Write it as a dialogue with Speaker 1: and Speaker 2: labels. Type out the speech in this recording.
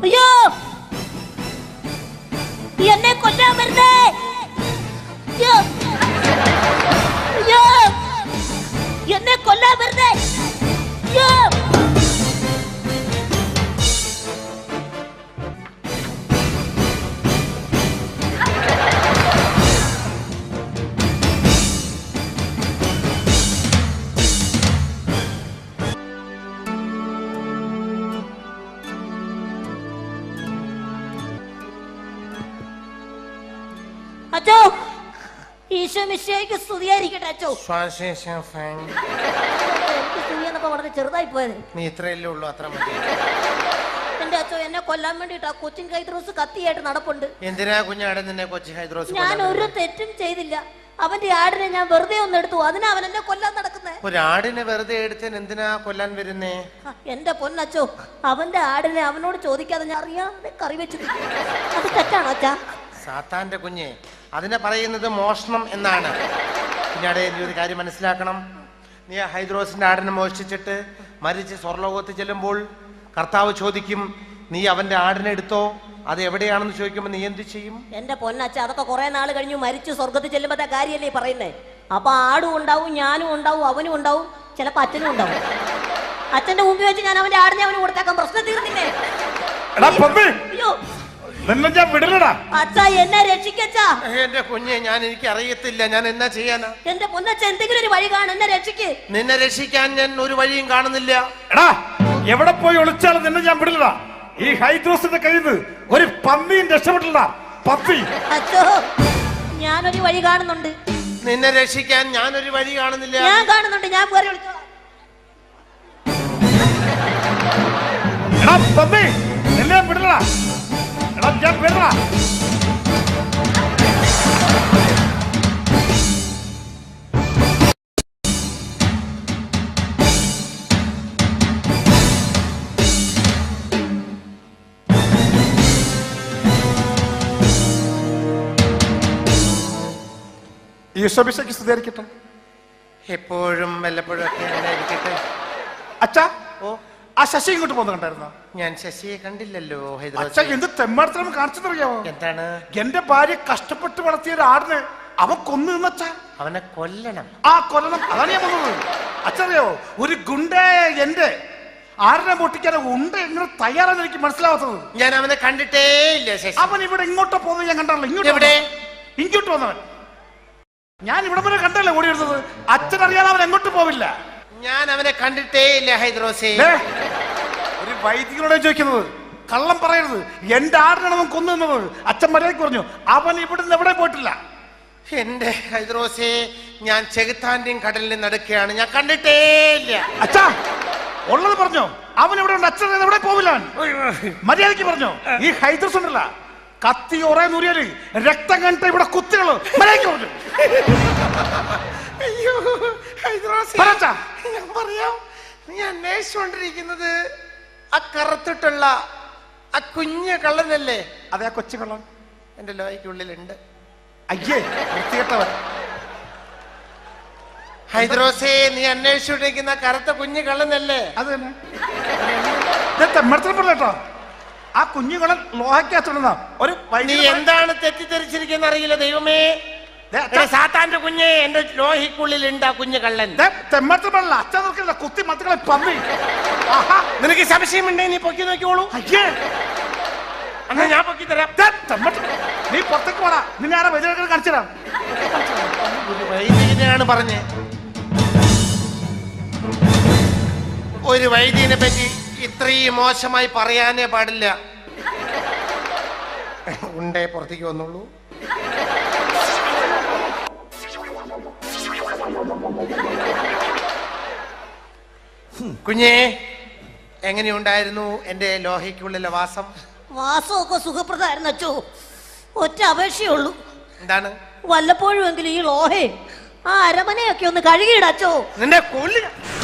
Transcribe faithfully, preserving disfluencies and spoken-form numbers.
Speaker 1: അയ്യോ എന്നെ കൊല്ലാൻ വരുന്നേ. അയ്യോ അയ്യോ എന്നെ കൊല്ലാൻ വരുന്നേ. അയ്യോ അച്ചോ, ഈശോ മിശിഹായ്ക്ക് സ്തുതിയായിരിക്കട്ടെ അച്ചോ. എനിക്ക് വളരെ ചെറുതായി പോയത്.
Speaker 2: നീ ഇത്രയല്ലേ ഉള്ളൂ, അത്ര മതി.
Speaker 1: എന്റെ അച്ചോ, എന്നെ കൊല്ലാൻ വേണ്ടിട്ട് ആ കൊച്ചിൻ ഹൈദ്രോസ് കത്തിയായിട്ട് നടപ്പുണ്ട്.
Speaker 2: എന്തിനാ കുഞ്ഞാടെ നിന്നെ കൊച്ചി ഹൈദ്രോസ്?
Speaker 1: ഞാൻ ഒരു തെറ്റും ചെയ്തില്ല. അവന്റെ ആടിനെ ഞാൻ വെറുതെ ഒന്ന് എടുത്തു, അതിനാ അവൻ എന്നെ കൊല്ലാൻ നടക്കുന്നേ.
Speaker 2: ഒരാടിനെ വെറുതെ എടുത്തൻ എന്തിനാ കൊല്ലാൻ വരുന്നേ?
Speaker 1: എന്റെ പൊന്നച്ചോ, അവന്റെ ആടിനെ അവനോട് ചോദിക്കാതെ ഞാൻ അറിയാതെ കറി വെച്ചു. അത് തെറ്റാണോ അച്ഛാ?
Speaker 2: സാത്താന്റെ കുഞ്ഞെ, അതിനെ പറയുന്നത് മോഷണം എന്നാണ്. പിന്നീട് നീ ഒരു കാര്യം മനസ്സിലാക്കണം. നീ ആ ഹൈദ്രോസിന്റെ ആടിനെ മോഷ്ടിച്ചിട്ട് മരിച്ച് സ്വർലോകത്ത് ചെല്ലുമ്പോൾ കർത്താവ് ചോദിക്കും, നീ അവന്റെ ആടിനെ എടുത്തോ, അത് എവിടെയാണെന്ന് ചോദിക്കുമ്പോൾ നീ എന്ത് ചെയ്യും?
Speaker 1: എന്റെ പൊന്നച്ച, അതൊക്കെ കുറെ നാൾ കഴിഞ്ഞു മരിച്ചു സ്വർഗത്തിൽ ചെല്ലുമ്പോഴത്തെ കാര്യമല്ലേ പറയുന്നേ. അപ്പൊ ആടും ഉണ്ടാവും, ഞാനും ഉണ്ടാവും, അവനും ഉണ്ടാവും, ചിലപ്പോ അച്ഛനും ഉണ്ടാവും. അച്ഛന്റെ മുമ്പിൽ വെച്ച് ഞാൻ അവന്റെ ആടിനെ അവന് കൊടുത്തേക്കാം, പ്രശ്നം തീർന്നില്ലേ? അയ്യോ അച്ഛാ, എന്നെ രക്ഷിക്കച്ചാ.
Speaker 2: എന്റെ കുഞ്ഞെ, ഞാൻ എനിക്ക് അറിയത്തില്ല, ഞാൻ എന്നാ ചെയ്യാനാ?
Speaker 1: എന്റെ പൊന്നച്ച, എന്തെങ്കിലും ഒരു വഴി കാണും, എന്നെ രക്ഷിക്ക്.
Speaker 2: നിന്നെ രക്ഷിക്കാൻ ഞാൻ ഒരു വഴിയും കാണുന്നില്ല.
Speaker 3: എടാ, എവിടെ പോയി ഒളിച്ചാലും നിന്നെ ഞാൻ വിടില്ല. ഈ ഹൈദ്രോസിന്റെ കയ്യിൽ നിന്ന് ഒരു പന്നിയും രക്ഷപ്പെട്ടില്ല. പന്നി.
Speaker 1: അച്ഛോ, ഞാനൊരു വഴി കാണുന്നുണ്ട്.
Speaker 2: നിന്നെ രക്ഷിക്കാൻ ഞാനൊരു വഴി കാണുന്നില്ല.
Speaker 1: ഞാൻ കാണുന്നുണ്ട്, ഞാൻ വേറെ വിളിച്ചോളാം.
Speaker 3: എടാ പന്നി, നിന്നെ വിടില്ല. എടാ ഞാൻ വിടില്ല. ഈശോമിശിഹായ്ക്ക് സ്തുതിയായിരിക്കട്ടെ.
Speaker 2: എപ്പോഴും വല്ലപ്പോഴും ഒക്കെ അങ്ങനെ ഇരിക്കട്ടെ.
Speaker 3: അച്ഛാ,
Speaker 2: ഓ,
Speaker 3: ആ ശശി ഇങ്ങോട്ട് പോകുന്ന കണ്ടായിരുന്നോ?
Speaker 2: ഞാൻ ശശിയെ കണ്ടില്ലല്ലോ.
Speaker 3: അച്ഛാ, എന്ത് തെമ്മാടത്തിനും കാണിച്ചെന്നറിയാമോ?
Speaker 2: എന്താണ്?
Speaker 3: എന്റെ ഭാര്യ കഷ്ടപ്പെട്ട് വളർത്തിയ ഒരു ആടിനെ അവൻ കൊന്നു നിന്നച്ചാ.
Speaker 2: അവനെ കൊല്ലണം.
Speaker 3: ആ കൊല്ലണം, അതാണ് ഞാൻ വന്നത്. അച്ഛറിയോ, ഒരു ഗുണ്ട എന്റെ ആടിനെ പൊട്ടിക്കാൻ ഉണ്ട് എങ്ങനെ തയ്യാറാന്ന് എനിക്ക് മനസ്സിലാവാത്തത്.
Speaker 2: ഞാൻ അവനെ കണ്ടിട്ടേ ഇല്ല.
Speaker 3: അവൻ ഇവിടെ ഇങ്ങോട്ടോ പോകുന്നത് ഞാൻ കണ്ടല്ലോ. ഇങ്ങോട്ട്
Speaker 2: എവിടെ?
Speaker 3: ഇങ്ങോട്ട് വന്നവൻ. ഞാൻ ഇവിടെ വരെ കണ്ടല്ലേ ഓടി വരുന്നത്. അച്ഛൻ അറിയാതെ അവൻ എങ്ങോട്ട് പോവില്ല.
Speaker 2: ഞാൻ അവനെ കണ്ടിട്ടേ ഇല്ല ഹൈദ്രോസേ.
Speaker 3: ഒരു വൈദികനോടെ ചോദിക്കുന്നത്, കള്ളം പറയരുത്. എന്റെ ആടിനാണ് അവൻ കൊന്നു നിന്നത്. അച്ഛൻ മര്യാദയ്ക്ക് പറഞ്ഞു, അവൻ ഇവിടുന്ന് എവിടെ പോയിട്ടില്ല.
Speaker 2: എന്റെ ഹൈദ്രോസേ, ഞാൻ ചെകുത്താന്റെയും കടലിൽ നടക്കുകയാണ്, ഞാൻ കണ്ടിട്ടേ ഇല്ല.
Speaker 3: അച്ഛാ, ഉള്ളത് പറഞ്ഞോ. അവൻ എവിടെ ഉണ്ട്? അച്ഛൻ എവിടെ പോവില്ല. മര്യാദയ്ക്ക് പറഞ്ഞോ. ഈ ഹൈദ്രോസ് ഉണ്ടല്ല, കത്തി ഒറേ നൂരിയാല് രക്തം കണ്ടിട്ട് ഇവിടെ കുത്തികള്. മര്യാദയ്ക്ക് പറഞ്ഞു.
Speaker 2: അയ്യോ ഹൈദ്രോസേ, ഞാൻ പറയാം. നീ അന്വേഷിച്ചുകൊണ്ടിരിക്കുന്നത് ആ കറുത്തിട്ടുള്ള ആ കുഞ്ഞു കള്ളനല്ലേ?
Speaker 3: അതെ, ആ കൊച്ചു കള്ളൻ
Speaker 2: എന്റെ ലോയ്ക്കുള്ളിലുണ്ട്.
Speaker 3: അയ്യേ, വൃത്തികെട്ടവൻ.
Speaker 2: ഹൈദ്രോസേ, നീ അന്വേഷിച്ചുകൊണ്ടിരിക്കുന്ന കറുത്ത കുഞ്ഞു കള്ളനല്ലേ?
Speaker 3: അത് തന്നെ. തെമ്മടത്തിൽപ്പെട്ടോ ആ കുഞ്ഞുകളൻ ലോഹയ്ക്കകത്തുണ്ടെന്ന ഒരു.
Speaker 2: നീ എന്താണ് തെറ്റിദ്ധരിച്ചിരിക്കുന്ന അറിയില്ല ദൈവമേ. സാത്താന്റെ കുഞ്ഞെ, എന്റെ ലോഹിക്കുള്ളിലുണ്ട് ആ കുഞ്ഞു കള്ളൻ.
Speaker 3: തെമ്മടത്തിൽപ്പെടല്ല, അച്ഛൻ നോക്കില്ല, കുത്തി മത്തുകളെ പന്നി.
Speaker 2: നിനക്ക് സംശയമുണ്ടെങ്കിൽ നീ പൊക്കി നോക്കിയോളൂ.
Speaker 3: അയ്യേ,
Speaker 2: എന്നാ ഞാൻ പൊക്കി തരാം.
Speaker 3: നീ പുറത്തേക്ക് പോടാ. നിന്നെ ആരാ വൈദ്യുതി കാണിച്ചു തരാം.
Speaker 2: വൈദികനെയാണ് പറഞ്ഞേ. ഒരു വൈദികനെ പറ്റി ഇത്രയും മോശമായി പറയാനേ പാടില്ല. ഉണ്ടേ പുറത്തേക്ക് വന്നോളൂ. കുഞ്ഞേ, എങ്ങനെയുണ്ടായിരുന്നു എന്റെ ലോഹയ്ക്കുള്ളിലെ വാസം?
Speaker 1: വാസമൊക്കെ സുഖപ്രദമായിരുന്നു അച്ചോ. ഒറ്റ അപേക്ഷയുള്ളൂ.
Speaker 2: എന്താണ്?
Speaker 1: വല്ലപ്പോഴും എങ്കിലും ഈ ലോഹേ ആ അരമനയൊക്കെ ഒന്ന് കഴുകിയിടച്ചോ.
Speaker 2: നിന്റെ കൊല്ലി